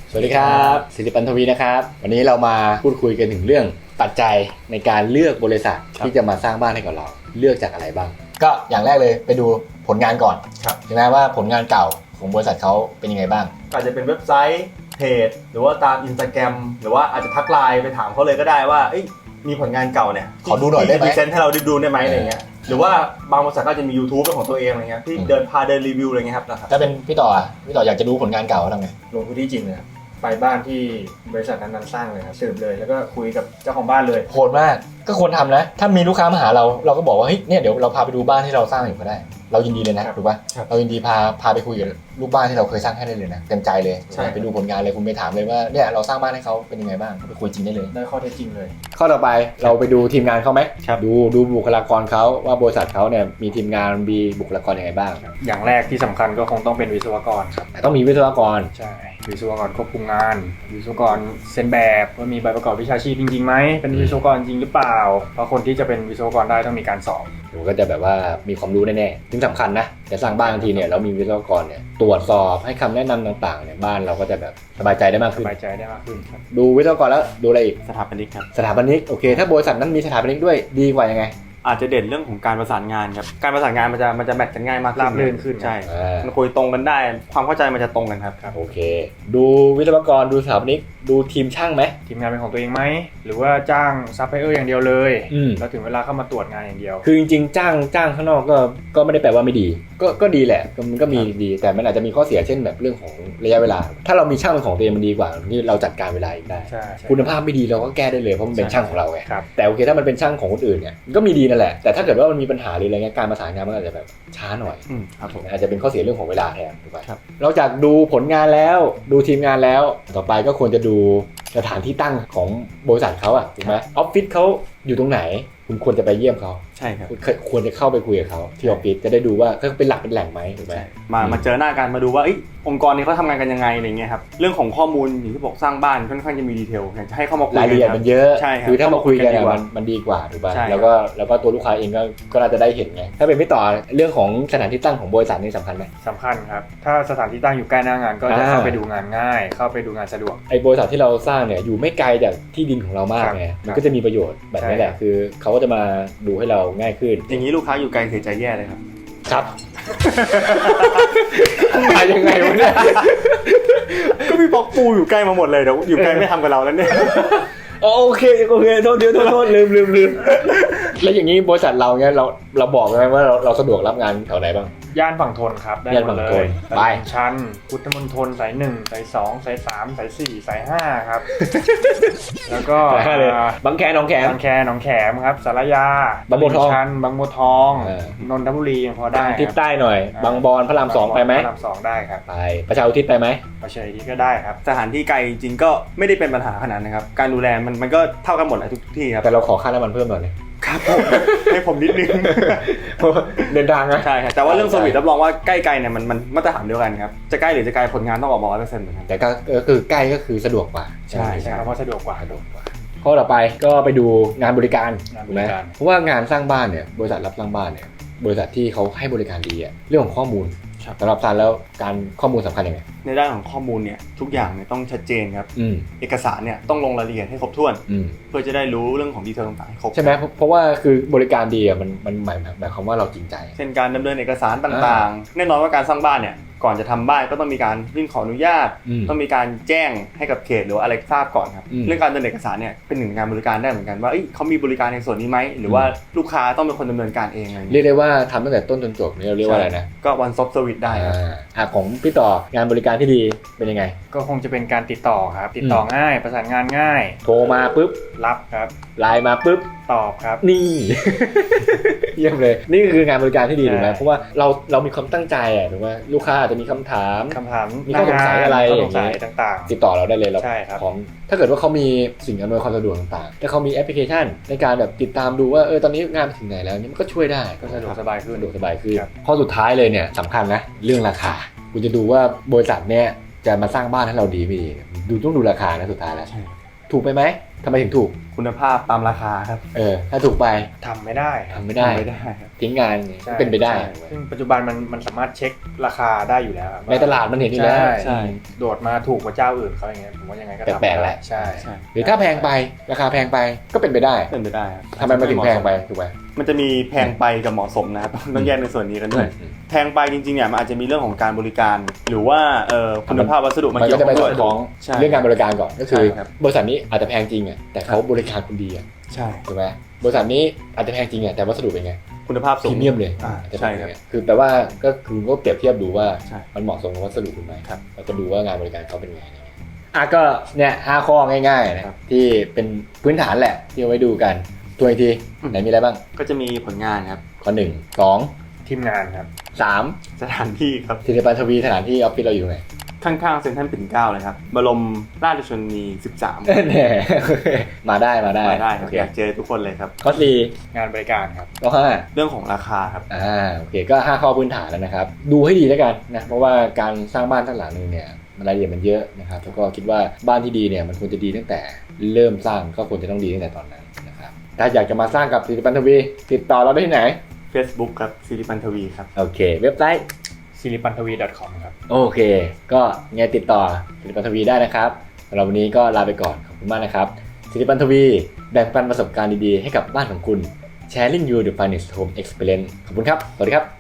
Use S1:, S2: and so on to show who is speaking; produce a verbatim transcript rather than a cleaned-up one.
S1: สวัสดีครับศิริปันทวีนะครับวันนี้เรามาพูดคุยกันถึงเรื่องปัจจัยในการเลือกบริษัทที่จะมาสร้างบ้านให้กับเราเลือกจากอะไรบ้างก็อย่างแรกเลยไปดูผลงานก่อนใช่ไหมว่าผลงานเก่าของบริษัทเขาเป็นยังไงบ้าง
S2: อาจจะเป็นเว็บไซต์เพจหรือว่าตาม Instagram หรือว่าอาจจะทักไลน์ไปถามเขาเลยก็ได้ว่ามีผลงานเก่าเนี่ย
S1: ขอดูหน่อยได้ไหม
S2: พรีเซนต์ให้เราได้ดูได้ไหมอะไรเงี้ยหรือว่าบางบริษัทก็จะมี YouTube เป็นของตัวเองอะไรเงี้ยที่เดินพาเดินรีวิวอะไรเงี้ยครับนะครับ
S1: ถ้าเป็นพี่ต่อพี่ต่ออยากจะดูผลงานเก่าทำไง
S3: ลงพื้นที่จริงเลยครับไปบ้านที่บริษัทนั้นๆสร้างเลยครับสืบเลยแล้วก็คุยกับเจ้าของบ้านเลย
S1: โหดมากก็ควรทำนะถ้ามีลูกค้ามาหาเราเราก็บอกว่าเฮ้ยเนี่ยเดี๋ยวเราพาไปดูบ้านที่เราสร้างอยู่ก็ได้เรายินดีเลยนะถูกป่ะเรายินดีพาพาไปคุยกับลูกบ้านที่เราเคยสร้างให้ได้เลยนะเต็มใจเลยไปดูผลงานเลยคุณไปถามเลยว่าเนี่ยเราสร้างบ้านให้เขาเป็นยังไงบ้างไปคุยจริงได้เลย
S3: ได้ข้อเท็จจริงเลย
S1: ข้อต่อไปเราไปดูทีมงานเขาไหมดูดูบุคลากรเขาว่าบริษัทเขาเนี่ยมีทีมงานมีบุคลากรยังไงบ้าง
S3: อย่างแรกที่สำคัญก็คงต้องเป็นวิศวกรครับ
S1: ต้องมีวิศวกร
S3: ใช่วิศวกรควบคุมงานวิศวกรเซ็นแบบว่ามีใบประกอบวิชาชีพจริงๆไหมเป็นวิศวกรจริงหรือเปล่าเพราะคนที่จะเป็นวิศวกรได้ต้องมีการสอบ
S1: ผมก็จะแบบว่ามีความรู้แน่ๆที่สำคัญนะจะสร้างบ้านทันทีเนี่ยเรามีวิศวกรเนี่ยตรวจสอบให้คำแนะนำต่างๆเนี่ยบ้านเราก็จะแบบสบายใจได้มากขึ้น
S3: สบายใจได้มากขึ้นครับ
S1: ดูวิศวกรแล้วดูอะไรอีก
S2: สถาปนิกครับ
S1: สถาปนิกโอเคถ้าบริษัทนั้นมีสถาปนิกด้วยดีกว่ายังไง
S2: อาจจะเด่นเรื่องของการประสานงานครับการประสานงานมันจะมันจะแมทกันง่ายมาก
S3: ราบรื่นขึ้น
S2: ใช่มันคุยตรงกันได้ความเข้าใจมันจะตรงกันครับ
S1: โอเคดูวิศวกรดูสถาปนิกดูทีมช่างไหม
S3: ทีมงานเป็นของตัวเองไหมหรือว่าจ้างซัพพลายเออร์อย่างเดียวเลยแล้วถึงเวลาเข้ามาตรวจงานอย่างเดียว
S1: คือจริงๆจ้างจ้างข้างนอกก็ก็ไม่ได้แปลว่าไม่ดีก็ก็ดีแหละมันก็มีดีแต่มันอาจจะมีข้อเสียเช่นแบบเรื่องของระยะเวลาถ้าเรามีช่างเป็นของตัวเองมันดีกว่าที่เราจัดการเวลาเองได้คุณภาพไม่ดีเราก็แก้ได้เลยเพราะมันเป็นช่างของเราไงแต่โอเคถ้ามันเป็นช่างของคนอื่นเนี่ยก็มีดีนั่นแหละแต่ถ้าเกิดว่ามันมีปัญหาหรืออะไรเงี้ยการประสานงานมันอาจจะแบบช้าหน่อยอาจจะเป็นข้อเสียเรื่องของเวลาแทนถูกไหมนอกจากดูผลงานแล้วดูทีมงานแล้วต่อไปก็ควรจะดูสถานที่ตั้งของบริษัทเขาอ่ะถูกไหมออฟฟิศเขาอยู่ตรงไหนคุณควรจะไปเยี่ยมเขา
S2: ใช่ครับ
S1: ควรจะเข้าไปคุยกับเขาที่ออฟฟิศจะได้ดูว่าเขาเป็นหลักเป็นแหล่งไหมถูกไหม
S2: มามาเจอหน้ากันมาดูว่าองค์กรนี้เขาทำงานกันยังไงอะไรเงี้ยครับเรื่องของข้อมูลอย่างที่บอกสร้างบ้านค่อนข้างจะมีดีเทลอยากจะให้เข้ามาคุยกัน
S1: รายละเอียดมันเยอะ
S2: ใช่ครับ
S1: คือถ้ามาคุยกันมันมันดีกว่าถูกป่ะแล้วก็แล้วก็ตัวลูกค้าเองก็ก็น่าจะได้เห็นไงถ้าเป็นไม่ต่อเรื่องของสถานที่ตั้งของบริษัทนี่สำคัญไหม
S3: สำคัญครับถ้าสถานที่ตั้งอยู่ใกล้หน้างานก็จะเข้าไปดูงานง่ายเข้าไปดูงานสะดวก
S1: ไอ้บริษัทที่เราสร้างเนี่ยอยู่ไม่ไกลจากที่ดินของเรามากไงมันก็จะมีประโยชน์แบบนี้แหละคือเขาก็จะมาดูให้เราง่ายขึ้น
S2: อย่างนี้ลูกค้าอยู่ไกลเสียใจแย่เลยครับ
S1: ครับมายังไงวะเนี่ย
S2: ก็มีบล็อกปูอยู่ใกล้มาหมดเลยเดี๋ยวอยู่ไกลไม่ทำกับเราแล้วเนี่ย
S1: โอเคโอเคโทษเดี๋ยวโทษโทษลืมลืมลืมแล้วอย่างนี้บริษัทเราเนี่ยเราเราบอกไหมว่าเราเราสะดวกรับงานแถวไหนบ้าง
S3: ย่านฝั่งทนครับได้หมดเลย
S1: ไป
S3: ชั้นพุทธมณฑลสายหนึ่งสายสองสายสามสายสี่สายห้าครับแล้วก็
S1: บางแคหนองแขม
S3: บางแคหนองแขมครับสารยา
S1: บางบัวทอง
S3: ชั้นบางบัวทองนนทบุรียังพอได้
S1: ทิศใต้หน่อยบางบอนพระรามสองไปไหม
S3: พระรามสองได้ครับ
S1: ไปประชาอุทิศไปไหม
S3: ประชาอุทิศก็ได้ครับ
S2: สถานที่ไกลจริงก็ไม่ได้เป็นปัญหาขนาดนะครับการดูแลมันมันก็เท่ากันหมดแหละทุกที่ครับ
S1: แต่เราขอค่าน้ำมันเพิ่มหน่อย
S2: ครับผมให้ผมนิดนึง
S1: เดินทางนะ
S2: ใช่ครับแต่ว่าเรื่องเซอร์วิสรับรองว่าใกล้ๆเนี่ยมันมันมาตรฐานเดียวกันครับจะใกล้หรือจะไกลผลงานต้องออกมาร้อยเปอร์เซ็นต์เหมือนกัน
S1: แต่ก็คือใกล้ก็คือสะดวกกว่า
S3: ใช่ใช่เพราะสะดวกกว่าสะดวกกว่า
S1: ข้อต่อไปก็ไปดูงานบริการถูกไหมเพราะว่างานสร้างบ้านเนี่ยบริษัทรับสร้างบ้านเนี่ยบริษัทที่เขาให้บริการดีอ่ะเรื่องของข้อมูลสำหรับซันแล้วการข้อมูลสำคัญยังไง
S2: ในด้านของข้อมูลเนี่ยทุกอย่างเนี่ยต้องชัดเจนครับเอกสารเนี่ยต้องลงรายละเอียดให้ครบถ้วนเพื่อจะได้รู้เรื่องของดีเทลต่างๆครบ
S1: ใช่ไหมเพราะว่าคือบริการดีอ่ะมันมันหมายหมายความว่าเราจริงใจ
S2: เช่นการดำเนินเอกสารต่างๆแน่นอนว่าการสร้างบ้านเนี่ยก่อนจะทำบ้านก็ต้องมีการยื่นขออนุญาตต้องมีการแจ้งให้กับเขตหรืออะไรทราบก่อนครับเรื่องการดำเนินเอกสารเนี่ยเป็นหนึ่งงานบริการได้เหมือนกันว่าเขามีบริการในส่วนนี้ไหมหรือว่าลูกค้าต้องเป็นคนดำเนินการเองอะไร
S1: เรียกได้ว่าทำตั้งแต่ต้นจนจบนี่เราเรียกว่าอะไรนะ
S2: ก็ one stop service ได้ครับ
S1: อ่าของพี่ต่องานบริการที่ดีเป็นยังไง
S3: ก็คงจะเป็นการติดต่อครับติดต่อง่ายประสานงานง่าย
S1: โทรมาปุ๊บ
S3: รับครับ
S1: ไลน์มาปุ๊บ
S3: ตอบครับ
S1: นี่เยี่ยมเลยนี่คืองานบริการที่ดีถูกไหมเพราะว่าเราเรามีความตั้งใจอ่ะถูกไหมลูกค้าอาจจะมีคำถาม
S3: คำถาม
S1: มีข้อสงสัยอะไรอย่างเงี้
S3: ยต่าง
S1: ๆติดต่อเราได้เลยเราพร้อมถ้าเกิดว่าเขามีสิ่งอำนวยความสะดวกต่างๆถ้าเขามีแอปพลิเคชันในการแบบติดตามดูว่าเออตอนนี้งานไปถึงไหนแล้วนี่มันก็ช่วยได้
S3: ก็สะดวกสบายขึ้น
S1: สะดวกสบายขึ้นข้อสุดท้ายเลยเนี่ยสำคัญนะเรื่องราคาคุณจะดูว่าบริษัทเนี่ยจะมาสร้างบ้านให้เราดีไม่ดีดูต้องดูราคานะสุดท้ายแล้วถูกไปไหมทำไมถึงถูก
S2: คุณภาพตามราคาครับ
S1: เออถ้าถูกไป
S3: ทำไม่ได้
S1: ทำไม่ได้
S2: ไม่ได้
S1: ทิ้งงานเป็นไปได้
S3: ซึ่งปัจจุบันมันมันสามารถเช็คราคาได้อยู่แล้ว
S1: ในตลาดมันเห็นอยู่แล้ว
S3: ใช่โดดมาถูกกว่าเจ้าอื่นเขาอย่างเงี้ยผมว่ายังไงก็
S1: แปลกๆแหละ
S3: ใช่
S1: หรือถ้าแพงไปราคาแพงไปก็เป็นไปได้
S2: เป็นไปได้
S1: ทำไมมันถึงแพงไปถูกไหม
S2: มันจะมีแพงไปกับเหมาะสมนะครับต้องแยกในส่วนนี้กันด้วยแพงไปจริงๆเนี่ยมันอาจจะมีเรื่องของการบริการหรือว่าเอ่อคุณภาพวัสดุ
S1: มันก็จะไปสอดคล้องเรื่องการบริการก่อนก็คือบริษัทนี้อาจจะแพงจริงอ่ะแต่เขาบริการคุณดีอ่ะ
S2: ใช่
S1: ถูกไหมบริษัทนี้อาจจะแพงจริงอ่ะแต่วัสดุเป็นไง
S2: คุณภาพสูง
S1: พรีเมียมเลย
S2: ใช่ครับ
S1: คือแปลว่าก็คือก็เปรียบเทียบดูว่ามันเหมาะสมกับวัสดุคุณไหมแล้วก็ดูว่างานบริการเขาเป็นไงอ่ะก็เนี่ยห้าข้อง่ายๆนะครับที่เป็นพื้นฐานแหละที่เอาไว้ดูกันตัวอีกทีไหนมีอะไรบ้าง
S2: ก็จะมีผลงานครับ
S1: ข้อหนึ่งสอง
S3: ทีมงานครับ
S1: สาม
S2: สถานที่ครับ
S1: ศิริปันทวีสถานที่ออฟฟิศเราอยู่ไหน
S2: ข้างๆเซ็นทรัลปิ่นเกล้าเลยครับบรมราชชนนีสิบสาม
S1: แน่มาได้มาได้
S2: มาได้ครับอยากเจอทุกคนเลยครับ
S1: ข้อสี่
S3: งานบริการครับ
S1: ข้อห้า
S2: เรื่องของราคาครับ
S1: อ่าโอเคก็ห้าข้อพื้นฐานแล้วนะครับดูให้ดีแล้วกันนะเพราะว่าการสร้างบ้านทั้งหลังนึงเนี่ยรายละเอียดมันเยอะนะครับแล้วก็คิดว่าบ้านที่ดีเนี่ยมันควรจะดีตั้งแต่เริ่มสร้างก็ควรจะต้องดีตั้งแต่ตอนนั้นนะครับถ้าอยากจะมาสร้างกับศิริปันทวีติดต่อเราได้ที่ไหน
S2: Facebook ครับศิริปันทวีครับ
S1: โอเคเว็บไซต์
S3: ศิริปันทวี .com ครับ
S1: โอเคก็ไงติดต่อศิริปันทวีได้นะครับสำหรับวันนี้ก็ลาไปก่อนขอบคุณมากนะครับศิริปันทวีแบ่งปันประสบการณ์ดีๆให้กับบ้านของคุณ Sharing you the finest home experience ขอบคุณครับสวัสดีครับ